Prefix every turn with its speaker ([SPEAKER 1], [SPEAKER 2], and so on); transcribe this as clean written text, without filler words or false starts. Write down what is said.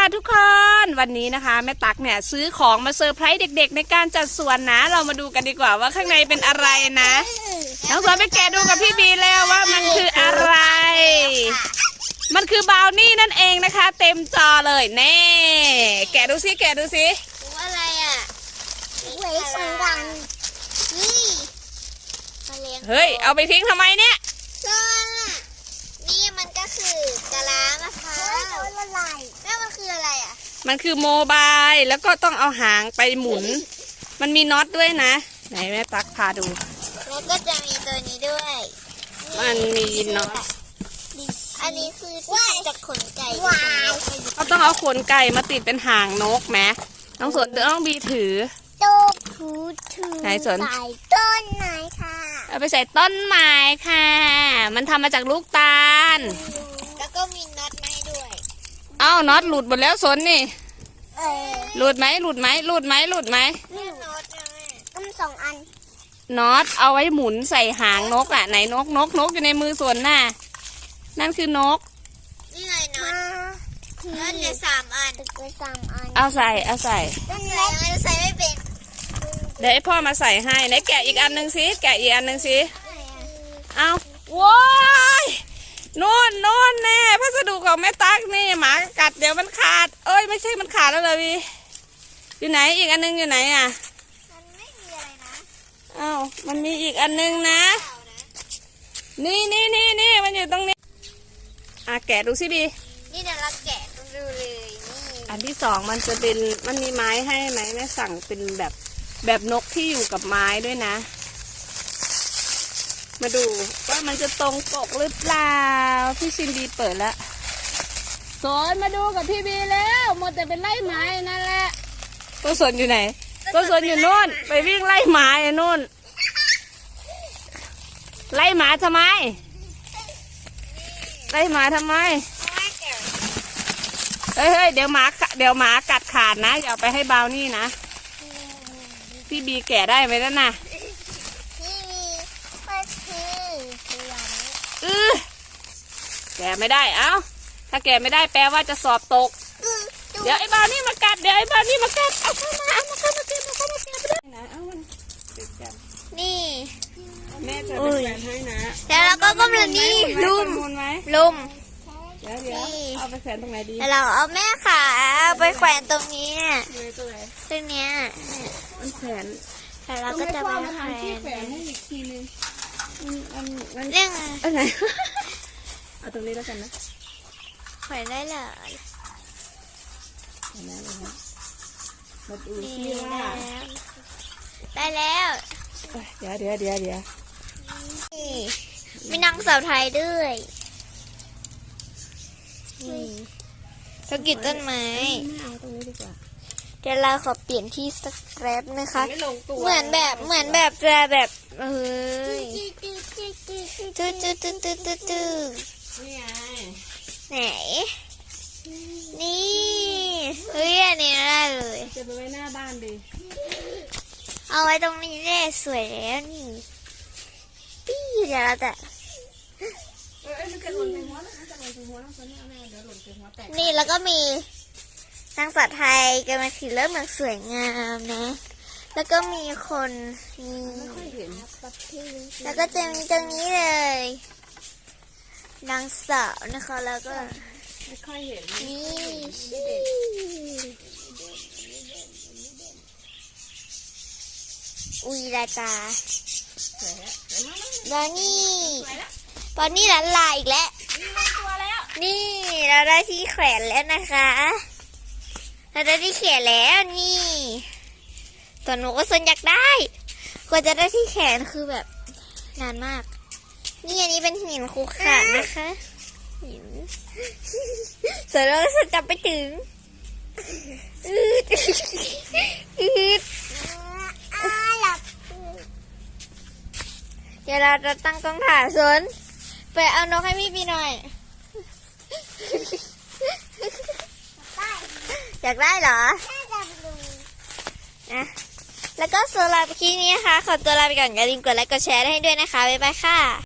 [SPEAKER 1] ทุกคนวันนี้นะคะแม่ตั๊กเนี่ยซื้อของมาเซอร์ไพรส์เด็กๆในการจัดสวนนะเรามาดูกันดีกว่าว่าข้างในเป็นอะไรนะน้องสวนไปแกะดูกับพี่บีแล้วว่ามันคืออะไรมันคือบราวนี่นั่นเองนะคะเต็มจอเลยแน่แกะดูสิแกะดูสิ
[SPEAKER 2] อะไรอ่ะเว้ยสองวันนี่
[SPEAKER 1] เฮ้ยเอาไปทิ้งทำไมเนี่ย
[SPEAKER 2] ก็นี่มันก็คือกะลามะพร้าวแล้วมันคืออะไรอ่ะ
[SPEAKER 1] มันคือโมบายแล้วก็ต้องเอาหางไปหมุนมันมีน็อตด้วยนะไหนแม่ตั๊กพาดู
[SPEAKER 2] แล้วก็จะมีตัวนี้ด้วย
[SPEAKER 1] มันมีน็อต
[SPEAKER 2] อันนี้คือที่จากขนไก่
[SPEAKER 1] เขาต้องเอาขนไก่มาติดเป็นหางนกไหมน้องสนต้องบีถือไหนสน
[SPEAKER 2] ต้นไม้ค่ะ
[SPEAKER 1] เอาไปใส่ต้นไม้ค่ะมันทำมาจากลูกตาล
[SPEAKER 2] แล้วก็มีน็อตไม้ด้วย
[SPEAKER 1] เอ้าน็อตหลุดหมดแล้วสนนี่หลุดไหมหลุดไหมหลุดไหมหลุดไหม
[SPEAKER 2] นี่น็อตนะก็มีสองอัน
[SPEAKER 1] น็อตเอาไว้หมุนใส่หางนกอ่ะไหนนกอยู่ในมือสนน่ะนั่นคือนก
[SPEAKER 2] นี่ไงน็อตน็อตเนี่ย3 อัน
[SPEAKER 1] เอาใส่
[SPEAKER 2] ต้นเล็กใส่ไม่เป็น
[SPEAKER 1] เดี๋ยวให้พ่อมาใส่ให้ไหนแกะอีกอันหนึ่งสิแกะอีกอันหนึ่งสิเอาว้ายนู่นแน่พัสดุของแม่ตั๊กนี่หมากัดเดี๋ยวมันขาดเอ้ยไม่ใช่มันขาดแล้วเลยพี่อยู่ไหนอีกอันหนึ่งอยู่ไหนอ่ะ
[SPEAKER 2] มันไม่มีอะไรนะ
[SPEAKER 1] อ้าวมันมีอีกอันหนึ่งนะนี่มันอยู่ตรงนี้แกะดูสิบี
[SPEAKER 2] นี่เดี๋ยวเราแกะดูเลยนี่
[SPEAKER 1] อันที่สองมันจะเป็นมันมีไม้ให้ไหมแม่สั่งเป็นแบบนกที่อยู่กับไม้ด้วยนะมาดูว่ามันจะตรงปกหรือเปล่าพี่ชินดีเปิดแล้วสนมาดูกับพี่บีแล้วหมดแต่เป็นไล่ไม้นั่นแหละตัวสนอยู่ไหนตัวสนอยู่นู่นไปวิ่งไล่ไม้นู่นไล่หมาทำไมไล่หมาทำไมเฮ้ยเดี๋ยวหมากัดขาดนะอย่าไปให้บาวนี่นะพี่บีแกะได้ไหมนั่นน่ะแกะไม่ได้เอ้าถ้าแกะไม่ได้แปลว่าจะสอบตกเดี๋ยวไอ้บาวนี่มากัดเอาเข้ามาแกะนะเอามันติดกัน
[SPEAKER 2] นี่
[SPEAKER 1] แม่จะเป็นแฟนให้นะ
[SPEAKER 2] แล้วเราก็กำลังนี่ลุม
[SPEAKER 1] เดี๋ยวเอาไปแขวนตรงไหนดี
[SPEAKER 2] เราเอาแม่ขาเอาไปแขวนตรงนี้ตรงเนี้ย
[SPEAKER 1] มันแขวน
[SPEAKER 2] แล้วเราก็จะไป
[SPEAKER 1] แขวนให้อีกทีนึง
[SPEAKER 2] เรื่อง
[SPEAKER 1] อะไรเอาตรงนี้แล้วกันนะ
[SPEAKER 2] แขวนได้เลย
[SPEAKER 1] มาดูซิว่า
[SPEAKER 2] ได้แล้ว
[SPEAKER 1] เดี๋ยว
[SPEAKER 2] นี่มีนางสาวไทยด้วยนี่ธุรกิจต้นไม้เดี๋ยวเราขอเปลี่ยนที่สักแป๊บนะคะเหมือนแบบจะแบบตื้อไหนนี่เฮ้ยอันนี้ได้เลย
[SPEAKER 1] จะไปไว้หน้าบ้านดิ
[SPEAKER 2] เอาไว้ตรงนี้ได้สวยแล้วนี่ปี้เดี๋ยวเราจะนี่แล้วก็มีนางสาวไทยกำลังถือเริ่มแบบสวยงามนะแล้วก็มีคนนี่แล้วก็จะมีตรงนี้เลยนางสาวนะคะแล้วก็
[SPEAKER 1] ไม่ค่อยเห็น
[SPEAKER 2] นี่อุ้ยลายตาบอนนี่หลานลายอีกแล้วนี่เราได้ที่แขวนแล้วนะคะเราได้ที่แขวนแล้วนี่ตัวหนูก็สนอยากได้กว่าจะได้ที่แขนคือแบบนานมากนี่อันนี้เป็นหินคูขาดนะคะหินเสร็จแล้วก็จับไปถึงเดี๋ยวเราจะตั้งกล้องถ่ายสนไปเอานกให้พี่หน่อยอยากได้เหรอนะแล้วก็สำหรับคลิปนี้นะคะขอตัวลาไปก่อนอย่าลืมกดไลค์กดแชร์ให้ด้วยนะคะบ๊ายบายค่ะ